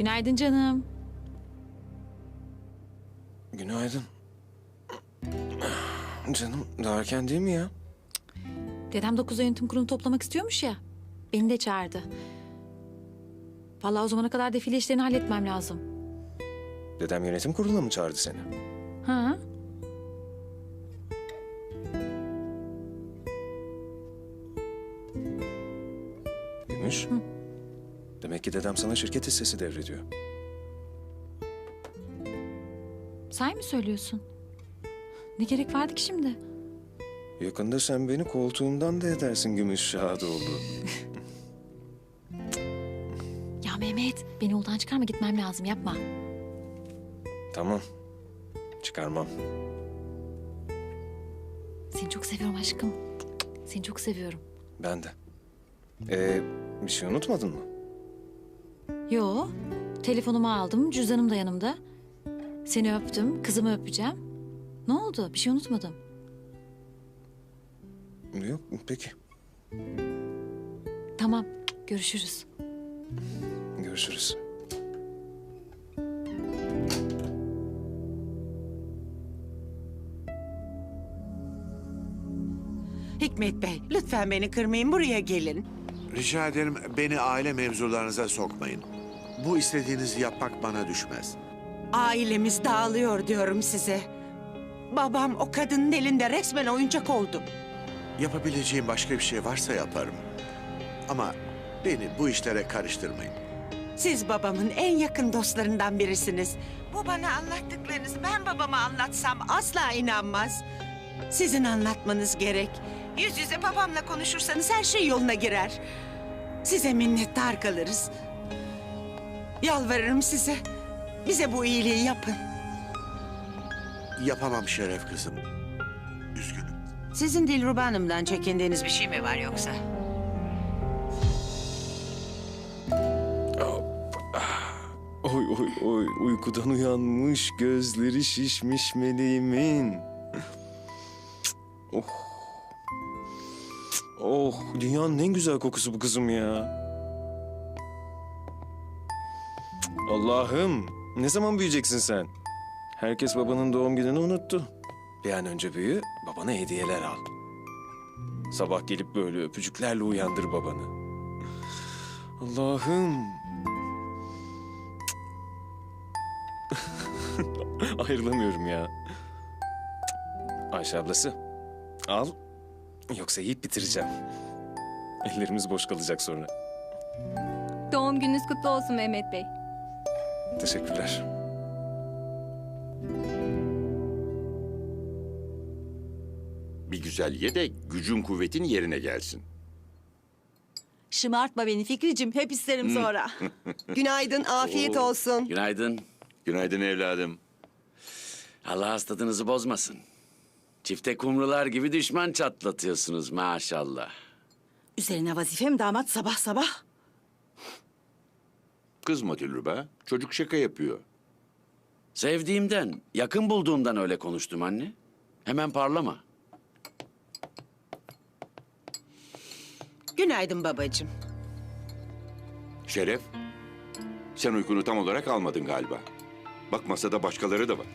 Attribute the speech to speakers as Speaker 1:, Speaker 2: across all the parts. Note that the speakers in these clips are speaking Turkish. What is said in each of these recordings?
Speaker 1: Günaydın canım.
Speaker 2: Günaydın. Canım daha erken değil mi ya?
Speaker 1: Dedem 9'da yönetim kurulunu toplamak istiyormuş ya. Beni de çağırdı. Vallahi o zamana kadar defile işlerini halletmem lazım.
Speaker 2: Dedem yönetim kuruluna mı çağırdı seni?
Speaker 1: Ha?
Speaker 2: Gümüş. Demek ki dedem sana şirket hissesi devrediyor.
Speaker 1: Say mı söylüyorsun? Ne gerek vardı ki şimdi?
Speaker 2: Yakında sen beni koltuğumdan da edersin Gümüş Şadoğlu.
Speaker 1: Ya Mehmet, beni yoldan çıkarma, gitmem lazım, yapma.
Speaker 2: Tamam. Çıkarmam.
Speaker 1: Seni çok seviyorum aşkım. Seni çok seviyorum.
Speaker 2: Ben de. Bir şey unutmadın mı?
Speaker 1: Yo, telefonumu aldım, cüzdanım da yanımda. Seni öptüm, kızımı öpeceğim. Ne oldu? Bir şey unutmadım.
Speaker 2: Yok, peki.
Speaker 1: Tamam, görüşürüz.
Speaker 2: Görüşürüz.
Speaker 3: Hikmet Bey, lütfen beni kırmayın, buraya gelin.
Speaker 4: Rica ederim beni aile mevzularınıza sokmayın. Bu istediğinizi yapmak bana düşmez.
Speaker 3: Ailemiz dağılıyor diyorum size. Babam o kadının elinde resmen oyuncak oldu.
Speaker 4: Yapabileceğim başka bir şey varsa yaparım. Ama beni bu işlere karıştırmayın.
Speaker 3: Siz babamın en yakın dostlarından birisiniz. Bu bana anlattıklarınızı ben babama anlatsam asla inanmaz. Sizin anlatmanız gerek. Yüz yüze babamla konuşursanız her şey yoluna girer. Size minnettar kalırız. Yalvarırım size. Bize bu iyiliği yapın.
Speaker 4: Yapamam Şeref kızım. Üzgünüm.
Speaker 3: Sizin Dilruba Hanım'dan çekindiğiniz bir şey mi var yoksa?
Speaker 2: Oy oy oy uykudan uyanmış gözleri şişmiş meleğimin. Oh. Oh dünyanın en güzel kokusu bu kızım ya. Allah'ım ne zaman büyüyeceksin sen? Herkes babanın doğum gününü unuttu. Bir an önce büyü, babana hediyeler al. Sabah gelip böyle öpücüklerle uyandır babanı. Allah'ım. Ayrılamıyorum ya. Ayşe ablası, al. Yoksa yiyip bitireceğim. Ellerimiz boş kalacak sonra.
Speaker 5: Doğum gününüz kutlu olsun Mehmet Bey.
Speaker 2: Teşekkürler.
Speaker 6: Bir güzel ye de gücün kuvvetin yerine gelsin.
Speaker 7: Şımartma beni Fikricim, hep isterim sonra. Günaydın, afiyet olsun.
Speaker 8: Günaydın.
Speaker 6: Günaydın evladım.
Speaker 8: Allah hastalığınızı bozmasın. Çifte kumrular gibi düşman çatlatıyorsunuz maşallah.
Speaker 7: Üzerine vazifem damat sabah sabah.
Speaker 6: Kızma Dilruba. Çocuk şaka yapıyor.
Speaker 8: Sevdiğimden, yakın bulduğumdan öyle konuştum anne. Hemen parlama.
Speaker 3: Günaydın babacığım.
Speaker 6: Şeref, sen uykunu tam olarak almadın galiba. Bak masada başkaları da var.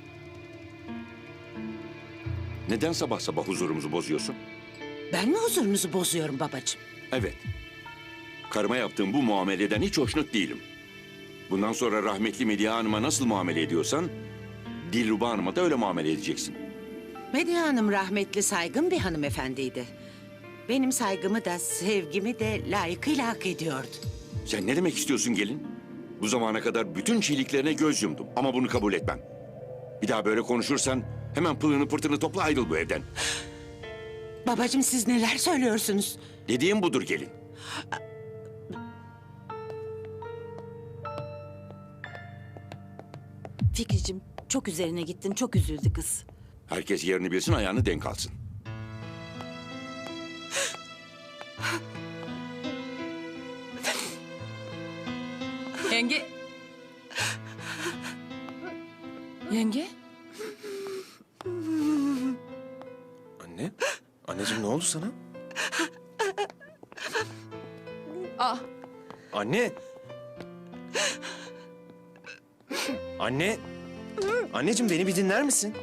Speaker 6: Neden sabah sabah huzurumuzu bozuyorsun?
Speaker 3: Ben mi huzurunuzu bozuyorum babacığım?
Speaker 6: Evet. Karıma yaptığım bu muameleden hiç hoşnut değilim. Bundan sonra rahmetli Medya Hanım'a nasıl muamele ediyorsan... Dilruba Hanım'a da öyle muamele edeceksin.
Speaker 3: Medya Hanım rahmetli saygın bir hanımefendiydi. Benim saygımı da sevgimi de layıkıyla hak ediyordu.
Speaker 6: Sen ne demek istiyorsun gelin? Bu zamana kadar bütün çiğliklerine göz yumdum ama bunu kabul etmem. Bir daha böyle konuşursan hemen pılını pırtını topla ayrıl bu evden.
Speaker 3: Babacığım siz neler söylüyorsunuz?
Speaker 6: Dediğim budur gelin.
Speaker 7: Fikricim, çok üzerine gittin, çok üzüldü kız.
Speaker 6: Herkes yerini bilsin ayağını denk alsın.
Speaker 5: Yenge.
Speaker 1: Yenge?
Speaker 2: Anne, anneciğim ne oldu sana?
Speaker 5: Ah,
Speaker 2: Anne! Anne. Anneciğim beni bir dinler misin?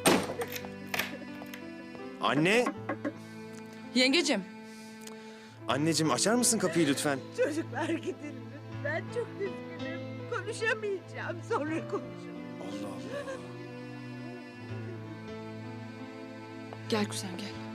Speaker 2: Anne.
Speaker 9: Yengecim.
Speaker 2: Anneciğim açar mısın kapıyı lütfen?
Speaker 3: Çocuklar gidin lütfen. Çok üzgünüm. Konuşamayacağım. Sonra konuşurum.
Speaker 2: Allah Allah.
Speaker 9: Gel kuzen gel.